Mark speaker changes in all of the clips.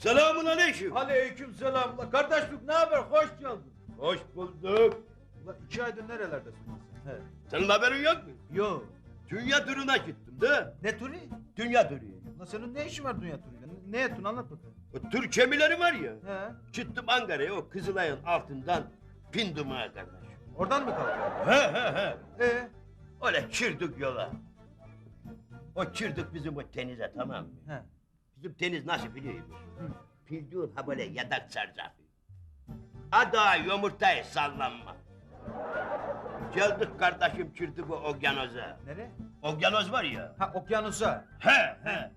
Speaker 1: Selamun aleyküm.
Speaker 2: Aleyküm selam. Ula kardeşlik ne haber? Hoş geldin.
Speaker 1: Hoş bulduk.
Speaker 2: Ula 2 aydır nerelerdesin sen? He.
Speaker 1: Senin haberin yok mu?
Speaker 2: Yo.
Speaker 1: Dünya turuna gittim de.
Speaker 2: Ne turu?
Speaker 1: Dünya turu.
Speaker 2: Ula senin ne işin var dünya turuyla? Ne ettin anlat bakalım.
Speaker 1: O tur gemileri var ya.
Speaker 2: He.
Speaker 1: Çıktım Ankara'ya o Kızılay'ın altından bindim ha kardeş.
Speaker 2: Oradan mı kalktın?
Speaker 1: He.
Speaker 2: He.
Speaker 1: Öyle çırdık yola. O çırdık bizim o denize tamam mı?
Speaker 2: He.
Speaker 1: Bizim deniz nasıl biliyor musun?
Speaker 2: Hı.
Speaker 1: Bildiğin ha böyle yatak saracak. Ada yumurtayı sallanma. Geldik kardeşim çırdık o okyanoza.
Speaker 2: Nere?
Speaker 1: Okyanoz var ya.
Speaker 2: Ha okyanusa.
Speaker 1: He.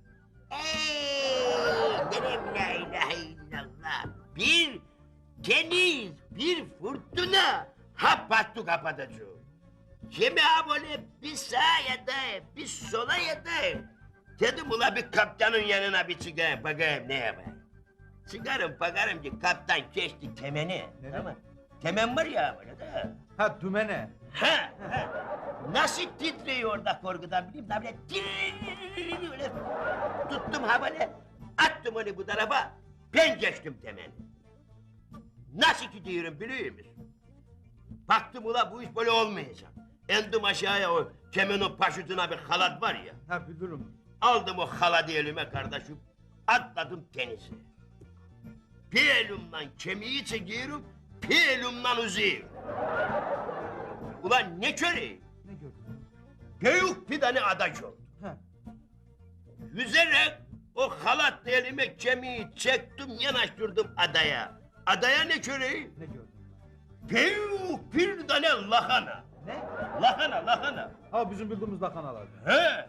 Speaker 1: Derim la ilahe illallah. Bir deniz, bir fırtına. Ha battı kapatacak. Kimi ha böyle bir sağa yatayım, bir sola yatayım. Dedim ula bir kaptanın yanına bir çıkayım, bakayım ne yapayım. Çıkarım bakarım ki kaptan geçti temeni.
Speaker 2: Nereye?
Speaker 1: Tamam. Temen var ya böyle de.
Speaker 2: Ha dümene.
Speaker 1: Ha. Nasıl titriyor orada korkudan bileyim de böyle öyle tuttum ha böyle attım onu bu tarafa ben geçtim temeni. Nasıl gidiyorum biliyor musun? Baktım ula bu iş böyle olmayacak. Endim aşağıya o kemenin paşutuna bir halat var ya.
Speaker 2: Ha bilirim.
Speaker 1: Aldım o haladı elime kardeşim. Atladım denize. Bir elimden kemiği çekiyorum, bir elimden uzuyorum. Ulan ne köreyim?
Speaker 2: Ne gördün?
Speaker 1: Büyük bir tane ada oldu.
Speaker 2: Ha.
Speaker 1: Yüzerek o halatlı elime kemiği çektim, yanaştırdım adaya. Adaya ne köreyim?
Speaker 2: Ne gördün?
Speaker 1: Büyük bir tane lahana.
Speaker 2: Ne?
Speaker 1: Lahana.
Speaker 2: Ha bizim bildiğimiz lakanalar.
Speaker 1: He.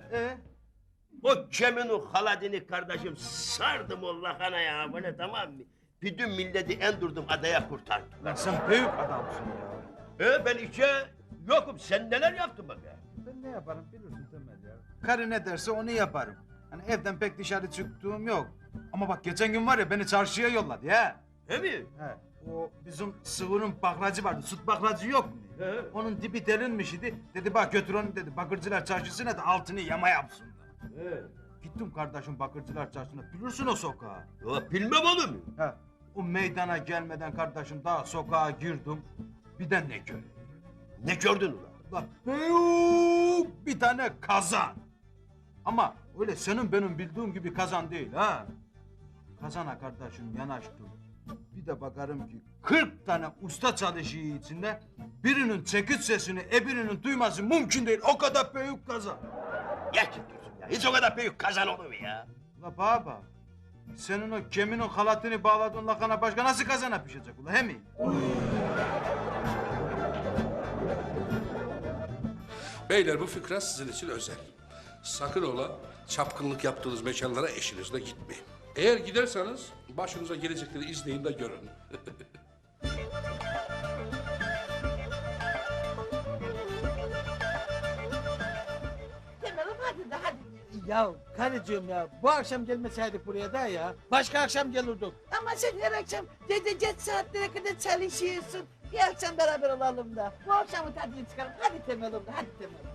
Speaker 2: E?
Speaker 1: O keminin haladini kardeşim sardım o lahanaya böyle tamam mı? Bütün milleti endürdüm adaya kurtardım.
Speaker 2: Lan sen büyük adamsın ya.
Speaker 1: Ben içe yokum. Sen neler yaptın bakayım?
Speaker 2: Ben ne yaparım bilirsin Temel ya. Karı ne derse onu yaparım. Hani evden pek dışarı çıktığım yok. Ama bak geçen gün var ya beni çarşıya yolladı ya.
Speaker 1: He mi?
Speaker 2: He. O bizim sıvının baklacı vardı. Süt baklacı yok mu?
Speaker 1: He.
Speaker 2: Onun dibi derinmiş idi. Dedi bak götür onu dedi. Bakırcılar çarşısına da altını yama yapsın da.
Speaker 1: He.
Speaker 2: Gittim kardeşim Bakırcılar çarşısına. Bilirsin o sokağı.
Speaker 1: Ya bilmem olur mu?
Speaker 2: He. O meydana gelmeden kardeşim daha sokağa girdim. Bir de ne göreyim?
Speaker 1: Ne gördün ulan?
Speaker 2: Bak büyük bir tane kazan. Ama öyle senin benim bildiğim gibi kazan değil ha. Kazana kardeşim yanaştım. Bir de bakarım ki 40 tane usta çalışıyor içinde. Birinin çekiç sesini birinin duyması mümkün değil. O kadar büyük kazan.
Speaker 1: Gerçekten ya. Hiç o kadar büyük kazan olur mu ya?
Speaker 2: Ula baba. Senin o geminin halatını bağladığın lakana başka nasıl kazana pişecek ula he mi?
Speaker 3: Beyler bu fıkra sizin için özel. Sakın ola çapkınlık yaptığınız mekanlara eşinizle gitmeyin. Eğer giderseniz başınıza gelecekleri izleyin de görün.
Speaker 4: Demelim hadi de hadi.
Speaker 5: Ya karıcığım ya bu akşam gelmeseydik buraya da ya. Başka akşam gelirdik.
Speaker 4: Ama sen her akşam gece geç saatlere kadar çalışıyorsun. Bir akşam beraber olalım da. Bu akşamın tadını çıkaralım. Hadi Temel'im de hadi Temel'im.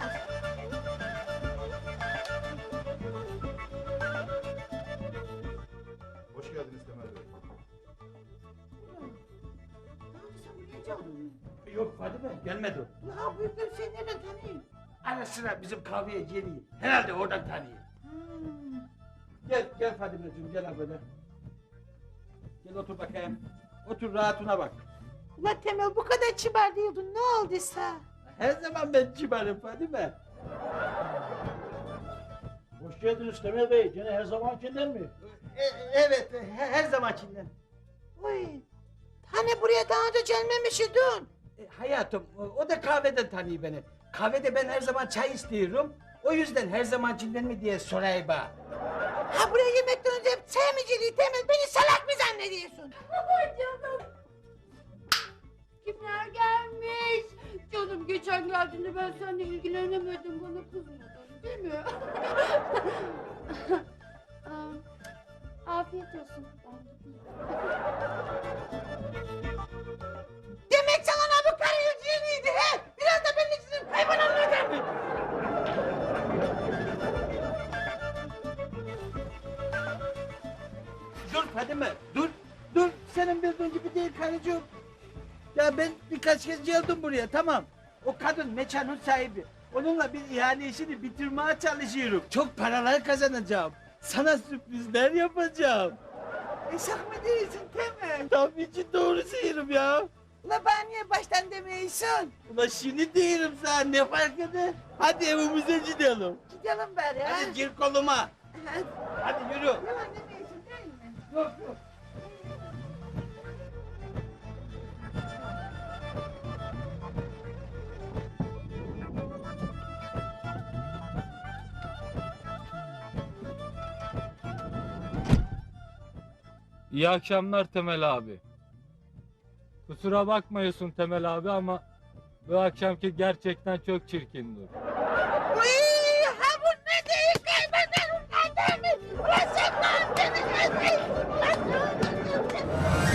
Speaker 2: Hoş geldiniz Temel Bey.
Speaker 5: Yok Fadime gelmedi.
Speaker 4: Ya büyükler seni nereden tanıyor?
Speaker 5: Ara sıra bizim kahveye geliyor. Herhalde oradan tanıyor.
Speaker 4: Hmm.
Speaker 5: Gel Fadimeciğim gel ha böyle. Gel otur bakayım. Otur rahatına bak.
Speaker 4: Ulan Temel bu kadar kibar değildin. Ne olduysa?
Speaker 5: Her zaman ben kibarım Fadime.
Speaker 6: Hoş geldiniz Temel Bey. Gene her zamankinden mi?
Speaker 5: Evet her zamankinden.
Speaker 4: Uy. Hani buraya daha önce gelmemiş idin.
Speaker 5: Hayatım o da kahveden tanıyor beni. Kahvede ben her zaman çay istiyorum. O yüzden her zamankinden mi diye sorayım bana.
Speaker 4: Ha buraya yemekten önce hep çay mı geliyor Temel? Beni salak mı zannediyorsun?
Speaker 7: Canım. Kimler gelmiş? Canım geçen geldiğinde ben seninle ilgilenemedim. Bana kızmadın değil mi? Afiyet olsun.
Speaker 4: Demek sana bu karı yüzüğünüydü he? Biraz da benim için hayvanlarına gelmiş.
Speaker 5: dur Fadime, dur. Dur, senin bildiğin gibi değil karıcığım. Ya ben birkaç kez geldim buraya, tamam. O kadın mekanın sahibi. Onunla bir ihale işini bitirmeye çalışıyorum. Çok paralar kazanacağım. Sana sürprizler yapacağım.
Speaker 4: Eşak mı değilsin Temel?
Speaker 5: Tabii ki doğru söylüyorum ya.
Speaker 4: Ula bana niye baştan demiyorsun?
Speaker 5: Ulan şimdi diyorum sana, ne fark eder? Hadi evimize gidelim.
Speaker 4: Gidelim bari ha.
Speaker 5: Hadi gir koluma.
Speaker 4: Hadi.
Speaker 5: Hadi yürü.
Speaker 4: Yalan demiyorsun değil mi?
Speaker 5: Yok yok.
Speaker 8: İyi akşamlar Temel abi. Kusura bakmıyorsun Temel abi ama bu akşamki gerçekten çok çirkindi.
Speaker 4: Uy, ha bu ne değil kaybedelim kendimi. Ulan sen ne yaptın? Ulan ne yaptın?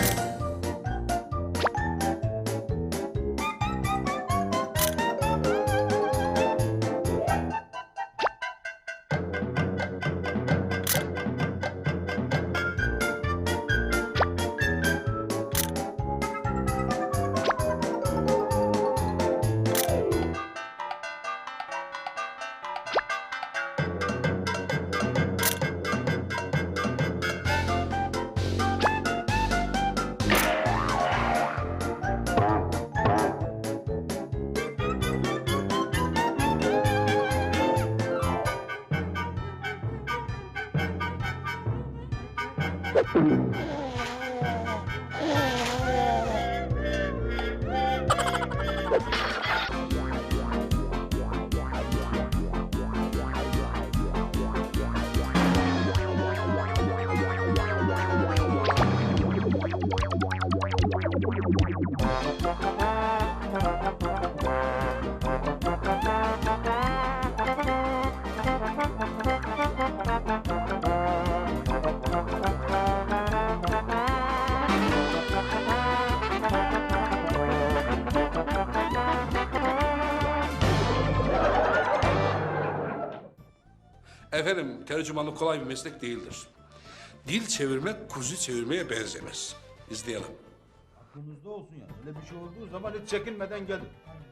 Speaker 3: Efendim, tercümanlık kolay bir meslek değildir. Dil çevirmek kuzu çevirmeye benzemez. İzleyelim.
Speaker 2: Aklınızda olsun yani. Öyle bir şey olduğu zaman hiç çekinmeden gelin.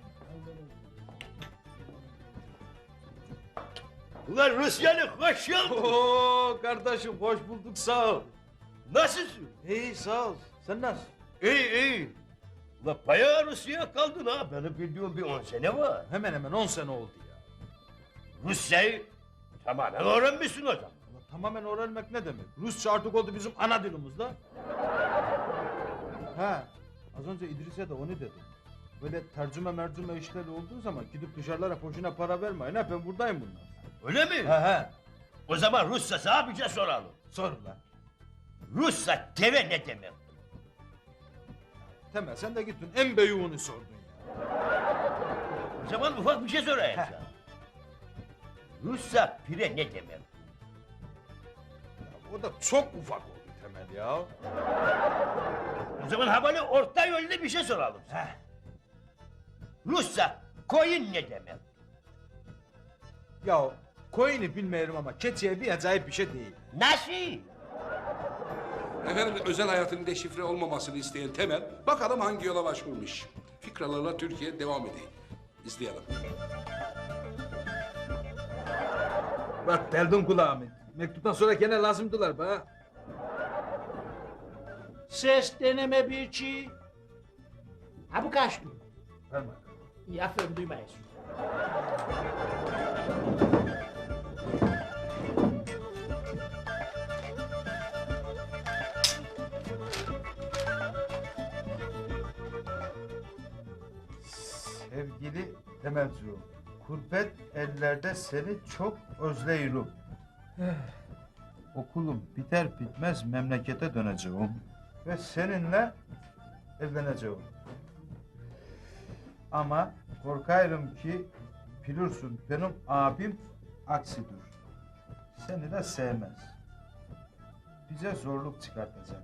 Speaker 1: Ulan Rusyalı hoş geldin.
Speaker 2: Oo kardeşim hoş bulduk sağ ol.
Speaker 1: Nasılsın?
Speaker 2: İyi sağ ol. Sen nasılsın?
Speaker 1: İyi iyi. Ulan bayağı Rusya'ya kaldın ha. Benim bildiğim bir 10 sene var.
Speaker 2: Hemen hemen 10 sene oldu ya.
Speaker 1: Rusçayı tamamen öğrenmişsin o zaman.
Speaker 2: Ulan tamamen öğrenmek ne demek? Rusça artık oldu bizim ana dilimiz la. Ha, az önce İdris'e de onu dedim. Böyle tercüme işleri olduğu zaman gidip dışarılara boşuna para vermeyin ha, ben buradayım bunlar.
Speaker 1: Öyle mi?
Speaker 2: He.
Speaker 1: O zaman Rusça abice soralım.
Speaker 2: Sor lan.
Speaker 1: Rusça deve ne demek?
Speaker 2: Temel sen de gittin en beyuğunu sordun ya.
Speaker 1: O zaman ufak bir şey sorayım sana. Rusça pire ne demek?
Speaker 2: Ya o da çok ufak oldu Temel ya.
Speaker 1: O zaman ha böyle orta yolda bir şey soralım sana. Rusça koyun ne demek?
Speaker 2: Ya koyunu bilmiyorum ama keçiye bir acayip bir şey değil.
Speaker 1: Nasıl?
Speaker 3: Efendim, özel hayatının deşifre olmamasını isteyen Temel, bakalım hangi yola başvurmuş. Fikralarla Türkiye devam edeyim. İzleyelim.
Speaker 2: Bak deldim kulağımı. Mektuptan sonra gene lazımdılar bana.
Speaker 6: Ses deneme bir iki. Ha bu kaçtı?
Speaker 2: Verme.
Speaker 6: İyi aferin duymayız.
Speaker 2: Sevgili Temelciğim, gurbet ellerde seni çok özleyirim. Okulum biter bitmez memlekete döneceğim ve seninle evleneceğim. Ama korkarım ki bilirsin benim abim aksidir. Seni de sevmez. Bize zorluk çıkartacak.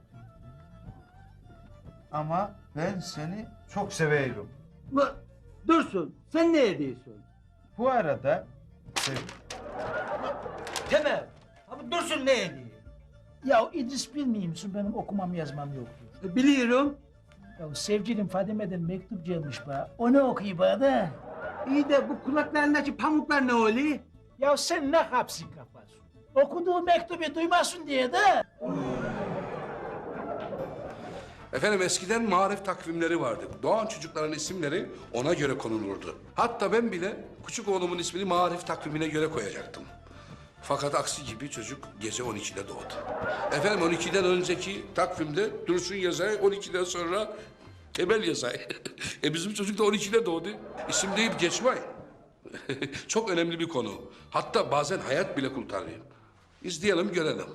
Speaker 2: Ama ben seni çok seviyorum.
Speaker 5: Ulan Dursun, sen ne ediyorsun?
Speaker 2: Bu arada
Speaker 5: Temel, abi Dursun ne ediyor?
Speaker 6: Ya İdris bilmiyor musun benim okumam yazmam yoktur.
Speaker 5: Biliyorum.
Speaker 6: Ya sevgilim Fadime'den mektup gelmiş bana. Onu okuyayım bana da.
Speaker 5: İyi de bu kulaklarındaki pamuklar ne oluyor?
Speaker 6: Ya sen ne hapsi kafasın? Okuduğu mektubu duymasın diye de.
Speaker 3: Efendim eskiden marif takvimleri vardı. Doğan çocukların isimleri ona göre konulurdu. Hatta ben bile küçük oğlumun ismini marif takvimine göre koyacaktım. Fakat aksi gibi çocuk gece 12'de doğdu. Efendim 12'den önceki takvimde Dursun Yazay, 12'den sonra Temel Yazay. Bizim çocuk da 12'de doğdu. İsim deyip geçmeyin. Çok önemli bir konu. Hatta bazen hayat bile kurtarıyor. İzleyelim, görelim.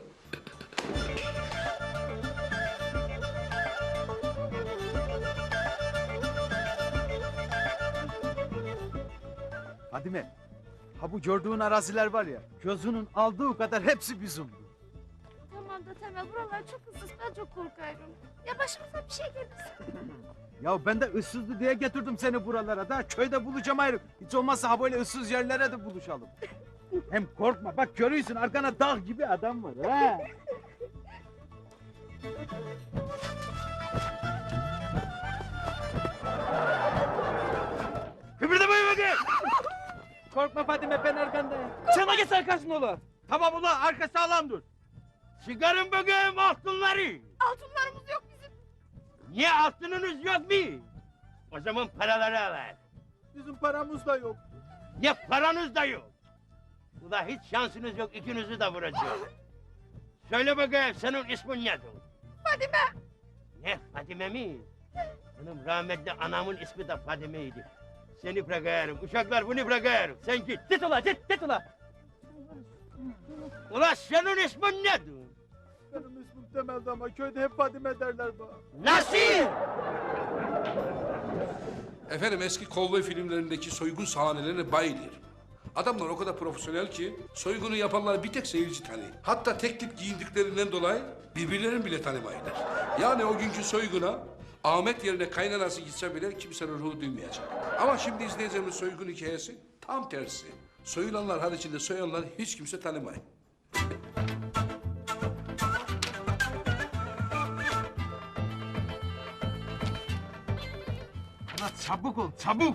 Speaker 2: Fadime, ha bu gördüğün araziler var ya, gözünün aldığı kadar hepsi bizimdi.
Speaker 7: Tamam da Temel buralar çok ıssız ben çok korkarım. Ya başımıza bir şey gelirse.
Speaker 2: Ya ben de ıssızdı diye getirdim seni buralara da köyde bulacağım ayrı. Hiç olmazsa ha böyle ıssız yerlere de buluşalım. Hem korkma bak görüyorsun arkana dağ gibi adam var ha. Kıpırdamayın bakayım. Korkma Fadime ben arkandayım. Sana geç arkasında ola. Tamam ulan arka sağlam dur.
Speaker 1: Çıkarın bakayım altınları.
Speaker 7: Altınlarımız yok bizim.
Speaker 1: Niye altınınız yok mu? O zaman paraları alın.
Speaker 2: Bizim paramız da yok.
Speaker 1: Ne paranız da yok. Ula hiç şansınız yok, ikinizi de vuracağım. Söyle bakayım, senin ismin nedir?
Speaker 7: Fadime.
Speaker 1: Ne, Fadime mi? Benim rahmetli anamın ismi de Fadime'ydi. Seni bırakıyorum, uşaklar bunu bırakıyorum. Sen git.
Speaker 2: Git ula git ula.
Speaker 1: Ula senin ismin nedir?
Speaker 2: Benim ismim Temel'di ama köyde hep Fadime derler bana.
Speaker 1: Nasıl?
Speaker 3: Efendim eski kovboy filmlerindeki soygun sahnelerine bayılır. Adamlar o kadar profesyonel ki soygunu yapanlar bir tek seyirci tanıyor. Hatta tek tip giyindiklerinden dolayı birbirlerini bile tanımayırlar. Yani o günkü soyguna Ahmet yerine kaynanası gitse bile kimsenin ruhu duymayacak. Ama şimdi izleyeceğimiz soygun hikayesi tam tersi. Soyulanlar haricinde soyanlar hiç kimse tanımıyor.
Speaker 2: Ulan çabuk ol çabuk.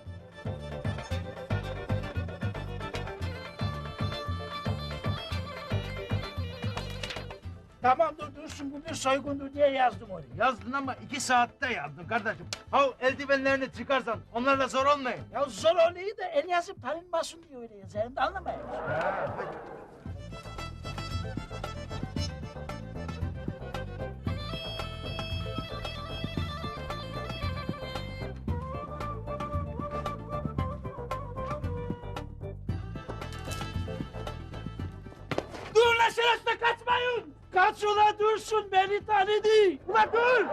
Speaker 6: Tamam dursun bu bir soygundur diye yazdım onu.
Speaker 2: Yazdın ama 2 saatte yazdın kardeşim. Ha eldivenlerini çıkarsan onlarla zor olmayın.
Speaker 6: Ya zor oluyor da el yazıp tanınmasın diye öyle yazarım da anlamayın. Dur lan şerefsiz kaçmayın! Kaç ula dursun beni tanıdı! Ulan dur!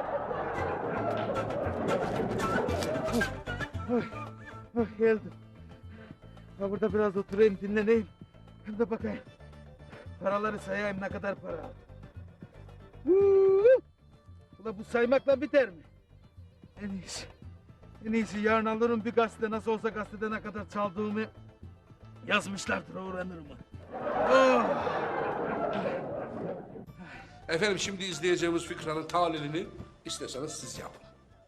Speaker 2: Geldim. Ha burada biraz oturayım dinleneyim. Hem de bakayım. Paraları sayayım ne kadar para. Ula bu saymakla biter mi? En iyisi. En iyisi yarın alırım bir gazete nasıl olsa gazetede ne kadar çaldığımı yazmışlardır öğrenirim. Oh.
Speaker 3: Efendim şimdi izleyeceğimiz fıkranın tahlilini isteseniz siz yapın.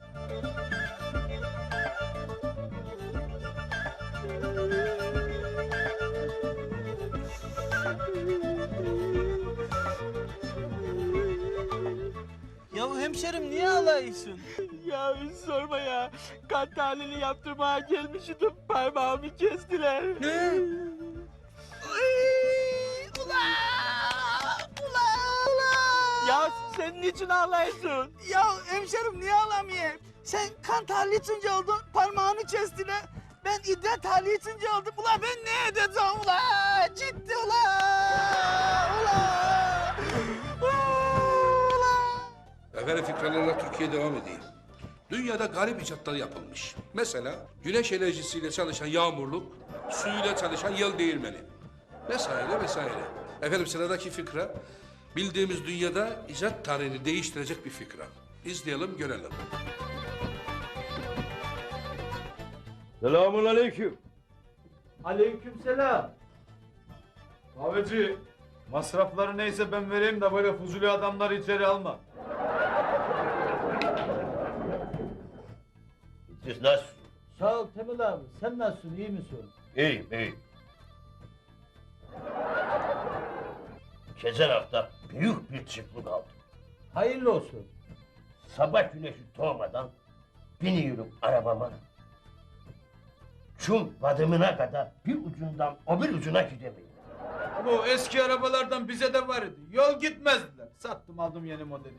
Speaker 5: Ya hemşerim niye ağlıyorsun? Ya sorma ya. Kan tahlili yaptırmaya gelmiştim. Parmağımı kestiler. Ne? Ula! Ya sen niçin ağlıyorsun? Ya hemşerim niye ağlamayayım? Sen kan tahlili içince oldun, parmağını kestiler. Ben idrar tahlili içince oldum. Ula ben ne edeceğim ula? Ciddi ula!
Speaker 3: Efendim fikralarla Türkiye devam edeyim. Dünyada garip icatlar yapılmış. Mesela güneş enerjisiyle çalışan yağmurluk, suyla çalışan yel değirmeni. Vesaire vesaire. Efendim sıradaki fıkra, bildiğimiz dünyada icat tarihini değiştirecek bir fıkra. İzleyelim, görelim.
Speaker 1: Selamun aleyküm.
Speaker 5: Aleykümselam.
Speaker 2: Kahveci Masrafları neyse ben vereyim de böyle fuzuli adamları içeri alma.
Speaker 1: Siz nasılsınız?
Speaker 5: Sağ ol Temel abi. Sen nasılsın? İyi misin?
Speaker 1: İyiyim, iyiyim. Geçen hafta büyük bir çıklık aldım.
Speaker 5: Hayırlı olsun.
Speaker 1: Sabah güneşi doğmadan biniyorum arabama. Çum badımına kadar bir ucundan o bir ucuna gidemiyorum.
Speaker 2: Bu eski arabalardan bize de var idi. Yol gitmezdiler. Sattım aldım yeni modeli.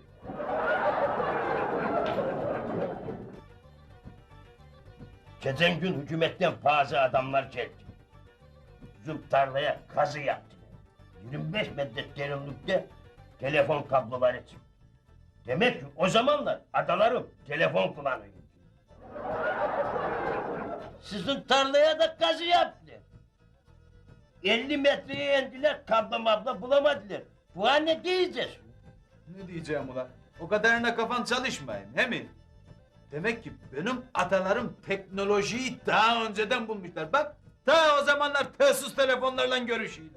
Speaker 1: Geçen gün hükümetten bazı adamlar geldi. Bizim tarlaya kazı yaptılar. 25 metre derinlikte telefon kabloları çıktı. Demek ki o zamanlar adalarım telefon kullanıyor. Sizin tarlaya da kazı yaptılar. 50 metreye indiler, kablo mablo bulamadılar. Bu ne diyeceğiz?
Speaker 2: Ne diyeceğim ulan? O kadarına kafan çalışmayın, he mi? Demek ki benim atalarım teknolojiyi daha önceden bulmuşlar. Bak, ta o zamanlar telsız telefonlarla görüşüyorlar.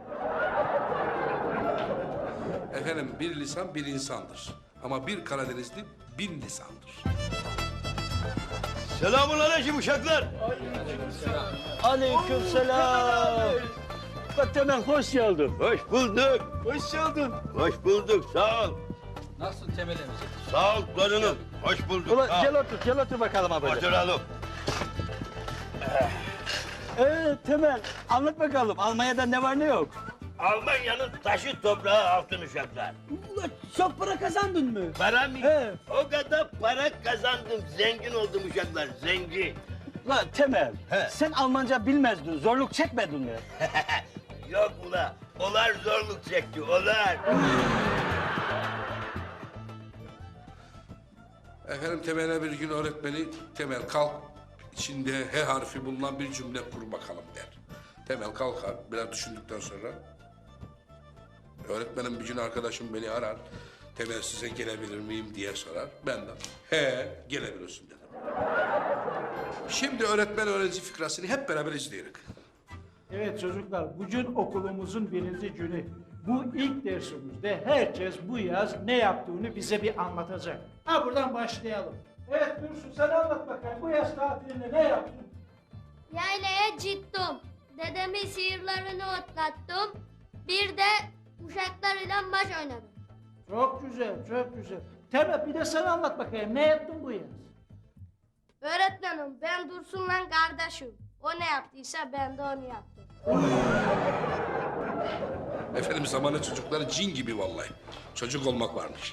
Speaker 3: Efendim bir lisan bir insandır. Ama bir Karadenizli bin lisandır.
Speaker 1: Selamun aleyküm uşaklar.
Speaker 5: Aleykümselam. Temel hoş geldin.
Speaker 1: Hoş bulduk.
Speaker 5: Hoş geldin.
Speaker 1: Hoş bulduk, sağ ol.
Speaker 8: Nasılsın Temel emci?
Speaker 1: Sağ ol torunum. Hoş bulduk.
Speaker 5: Ulan
Speaker 1: sağ ol.
Speaker 5: gel otur bakalım abi.
Speaker 1: Oturalım.
Speaker 5: Temel anlat bakalım Almanya'da ne var ne yok?
Speaker 1: Almanya'nın taşı toprağı altın uşaklar.
Speaker 5: Ulan çok para kazandın mı?
Speaker 1: Para mı?
Speaker 5: He.
Speaker 1: O kadar para kazandım, zengin oldum uşaklar, zengin.
Speaker 5: Ulan Temel
Speaker 1: He.
Speaker 5: sen Almanca bilmezdin zorluk çekmedin mi?
Speaker 1: Yok ula, olar zorluk çekti, olar.
Speaker 3: Efendim Temel'e bir gün öğretmeni Temel kalk içinde H harfi bulunan bir cümle kur bakalım der. Temel kalkar biraz düşündükten sonra öğretmenim bir gün arkadaşım beni arar. Temel size gelebilir miyim diye sorar. Ben de he gelebilirsin dedim. Şimdi öğretmen öğrenci fikrasını hep beraber izleyelim.
Speaker 6: Evet çocuklar, bugün okulumuzun birinci günü. Bu ilk dersimizde herkes bu yaz ne yaptığını bize bir anlatacak. Ha buradan başlayalım. Evet Dursun sen anlat bakalım. Bu yaz tatilinde ne yaptın?
Speaker 9: Yaylaya gittim. Dedemin sihirlerini otlattım. Bir de uşaklarıyla maç oynadım.
Speaker 6: Çok güzel, çok güzel. Temel bir de sen anlat bakayım. Ne yaptın bu yaz?
Speaker 9: Öğretmenim ben Dursun'la kardeşim. O ne yaptıysa ben de onu yaptım.
Speaker 3: Efendim zamanı çocukları cin gibi vallahi. Çocuk olmak varmış.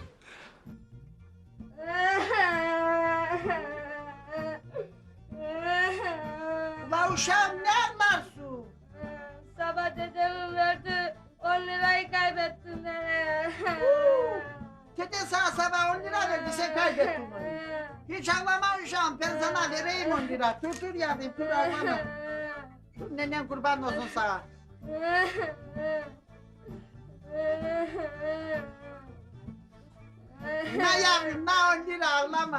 Speaker 4: La uşağım ne anlarsın?
Speaker 9: Sabah dedemin verdi 10 lirayı kaybettim ben.
Speaker 4: Deden sana sabah 10 lira verdi sen kaybettin onu. Hiç ağlama uşağım ben sana vereyim 10 lira. Dur yavrum dur ağlama. Dur nenem kurban olsun sana. Ne yavrum ne 10 lira ağlama.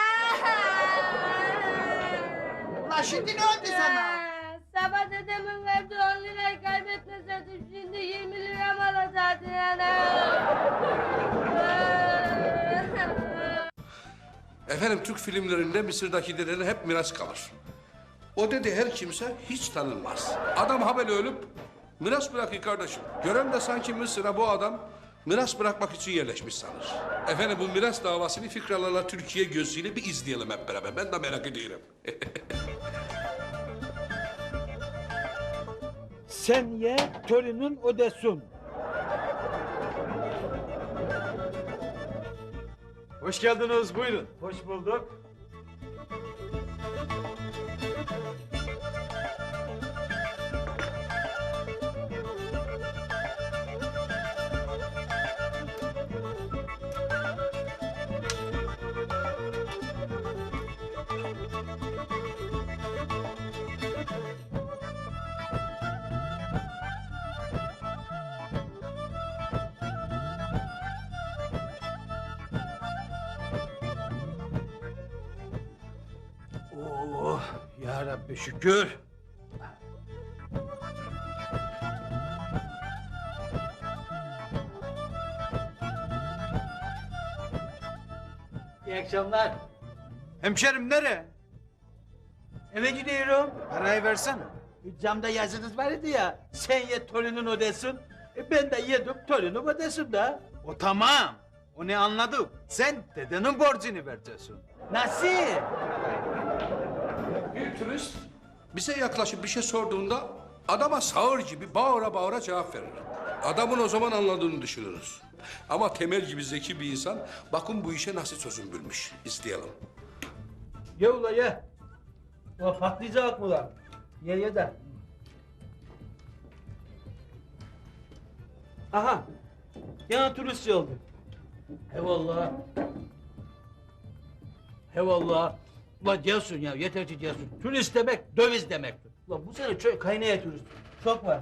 Speaker 4: La şimdi ne oldu sana?
Speaker 9: Sabah dedemin verdi 10 lirayı kaybetmeseydim şimdi 20 liram olacaktı yani.
Speaker 3: Efendim Türk filmlerinde Mısır'daki dedeler hep miras kalır. O dede her kimse hiç tanınmaz. Adam haberi ölüp miras bırakıyor kardeşim. Gören de sanki Mısır'a bu adam miras bırakmak için yerleşmiş sanır. Efendim bu miras davasını Fikralarla Türkiye gözüyle bir izleyelim hep beraber. Ben de merak ediyorum.
Speaker 5: Sen ye torunun ödesin.
Speaker 2: Hoş geldiniz, buyurun.
Speaker 5: Hoş bulduk.
Speaker 2: Oh, ya Rabbi şükür.
Speaker 5: İyi akşamlar.
Speaker 2: Hemşerim nereye?
Speaker 5: Eve gidiyorum.
Speaker 2: Parayı versene.
Speaker 5: Camda yazınız vardı ya. Sen ye torunun ödesin. Ben de yedim torunum ödesin da.
Speaker 2: O tamam. Onu anladık. Sen dedenin borcunu vereceksin.
Speaker 5: Nasıl?
Speaker 3: Bir turist bize yaklaşıp bir şey sorduğunda adama sağır gibi bağıra bağıra cevap verir. Adamın o zaman anladığını düşünürüz. Ama Temel gibi zeki bir insan bakın bu işe nasıl çözüm bulmuş. İzleyelim.
Speaker 5: Ye ula ye. O patlayacak mı lan? Ye de. Aha. Yana turist oldu. Eyvallah. Eyvallah. Ulan gelsin ya, yeter ki gelsin. Turist demek, döviz demektir. Ulan bu sene çok kaynaya turist. Çok var.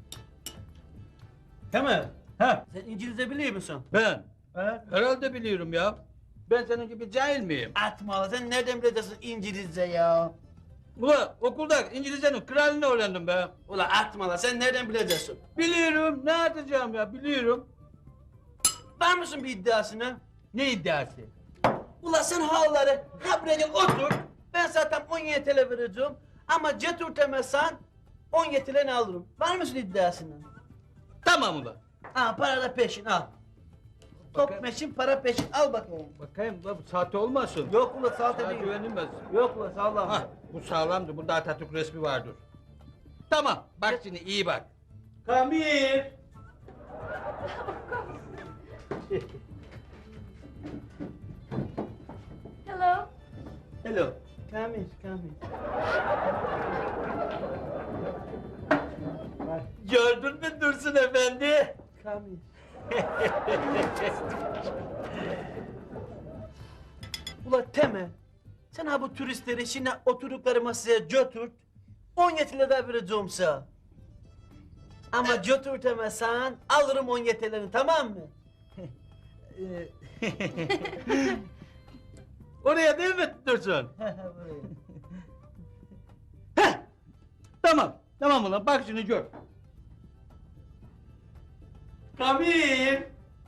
Speaker 5: Değil mi? Ha? Sen İngilizce biliyor musun? Ben? Herhalde biliyorum ya. Ben senin gibi cahil miyim? Atma, sen nereden bileceksin İngilizce ya? Ulan okulda İngilizcenin kralını öğrendim be. Ulan atma, sen nereden bileceksin? Biliyorum, ne atacağım ya, biliyorum. Var mısın bir iddiasına? Ne iddiası? Ulan sen havaları habrede otur. Ben zaten 17 TL vereceğim. Ama ceturtemezsen 17 TL'ni alırım. Var mısın iddiasına? Tamam ulan. Ha, para da peşin al. Top peşin, para peşin. Al bakayım. Bakayım da bu sahte olmasın. Yok ulan sahte değil. Güvenilmez. Yok ulan sağlam. Ha, bu sağlamdır. Bunda Atatürk resmi vardır. Tamam. Bak şimdi iyi bak. Kamil.
Speaker 9: Hello.
Speaker 5: Hello. Kamil, Kamil. Gördün mü Dursun Efendi? Kamil. Ula Temel, sen ha bu turistleri şimdi oturdukları masaya götür, 17 lira vereceğim sana. Ama götürtemezsen alırım 17 liranı, tamam mı? Oraya değil mi Dursun? Heh, tamam, tamam ulan bak şimdi gör. Kamil!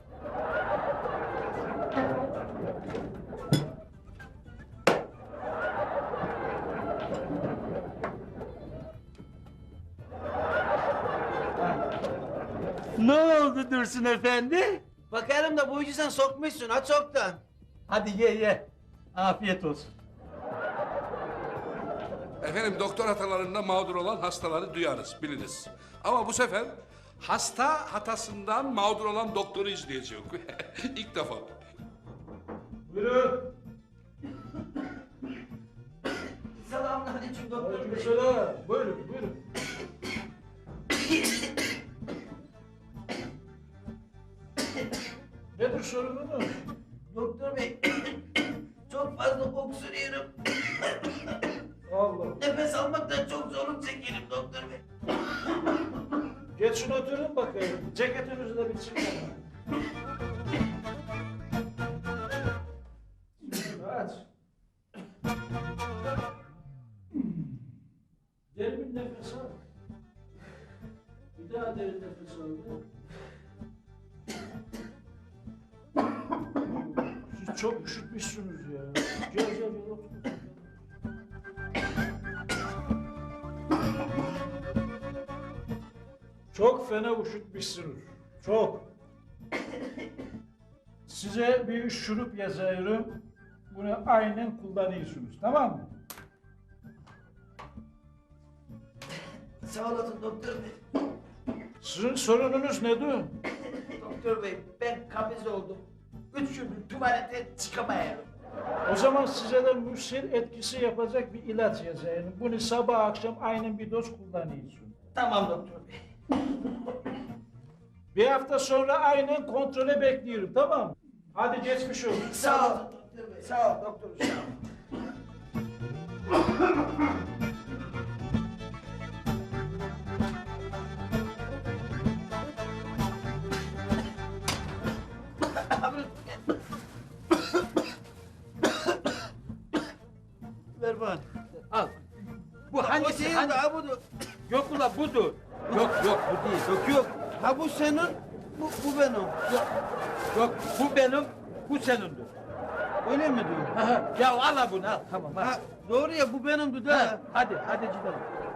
Speaker 5: Ne oldu Dursun Efendi? Bakarım da bu işi sen sokmuşsun ha çoktan. Hadi ye. Afiyet olsun.
Speaker 3: Efendim doktor hatalarında mağdur olan hastaları duyarız, biliriz. Ama bu sefer hasta hatasından mağdur olan doktoru izleyeceğiz. İlk defa.
Speaker 6: Buyurun.
Speaker 5: Selamünaleyküm doktor bey.
Speaker 6: Aleykümselam. Buyurun, buyurun. Nedir sorununuz?
Speaker 5: Doktor bey, çok fazla öksürüyorum.
Speaker 6: Allah.
Speaker 5: Nefes almaktan çok zorluk çekiyorum doktor bey.
Speaker 6: Geçin oturun bakayım. Ceketinizi de bir çıkarın. Şimdi aç. Derin bir nefes al. Bir daha derin nefes al. Siz çok üşütmüşsünüz ya. Gel otur. Çok fena üşütmüşsünüz. Çok. Size bir şurup yazıyorum. Bunu aynen kullanıyorsunuz. Tamam mı?
Speaker 5: Sağ olasın doktor bey.
Speaker 6: Sizin sorununuz nedir?
Speaker 5: Doktor bey, ben kabiz oldum. 3 gündür tuvalete çıkamıyorum.
Speaker 6: O zaman size de müsil etkisi yapacak bir ilaç yazayım. Bunu sabah akşam aynen bir doz kullanıyorsun.
Speaker 5: Tamam doktor bey.
Speaker 6: Bir hafta sonra aynen kontrole bekliyorum, tamam mı? Hadi geçmiş olsun.
Speaker 5: Sağ ol doktor bey. Sağ ol doktor sağ ol. Ver bana.
Speaker 2: Al. Bu hangisi?
Speaker 5: O değil
Speaker 2: Hangi-
Speaker 5: daha budur.
Speaker 2: Yok ulan budur. Yok bu değil.
Speaker 5: Yok. Ha bu senin, bu benim.
Speaker 2: Yok bu benim, bu senindir.
Speaker 5: O Öyle mi diyor? Ya al bunu al. Tamam al. Doğru ya bu benimdi de. Hadi gidelim.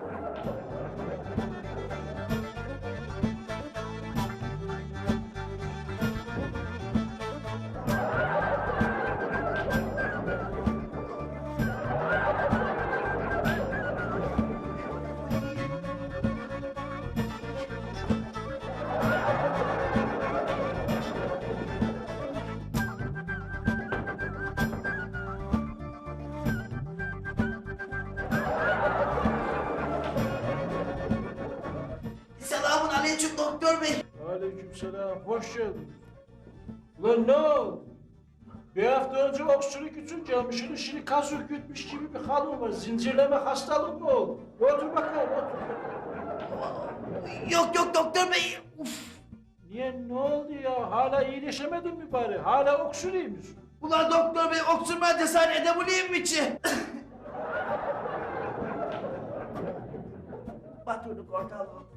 Speaker 4: Selamun aleyküm doktor bey.
Speaker 6: Aleykümselam, hoş geldin. Ulan ne oldu? Bir hafta önce öksürük için gelmişsin, şimdi kas ürkütmüş gibi bir halin var. Zincirleme hastalık mı oldu? Otur bakalım, otur.
Speaker 4: Yok doktor bey. Uf.
Speaker 6: Niye, ne oldu ya? Hala iyileşemedin mi bari? Hala öksürüyor musun?
Speaker 4: Ulan doktor bey öksürmeye cesaret edebileyim mi ki? Batırdık ortalığı.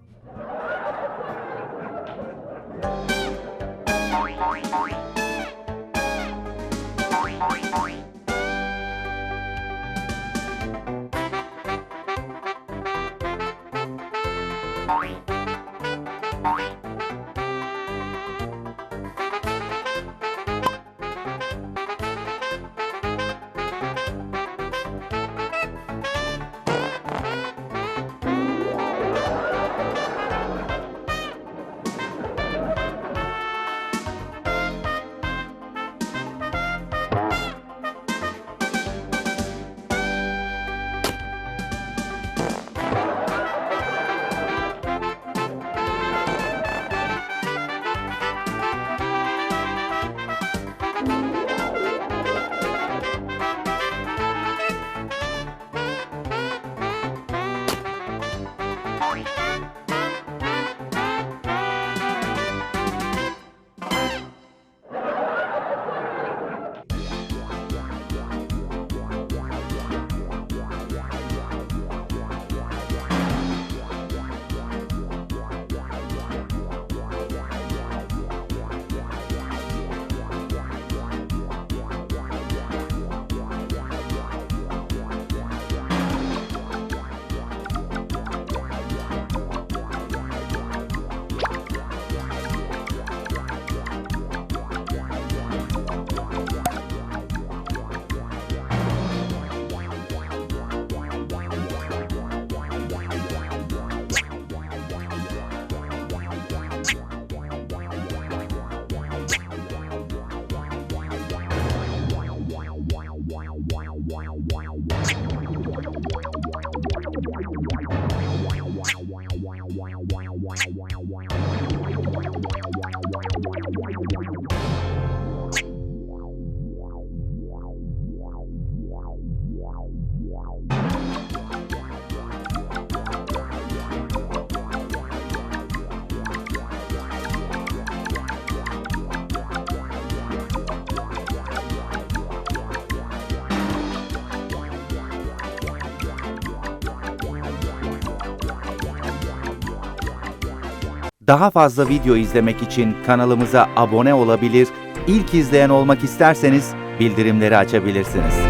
Speaker 10: Daha fazla video izlemek için kanalımıza abone olabilir, ilk izleyen olmak isterseniz bildirimleri açabilirsiniz.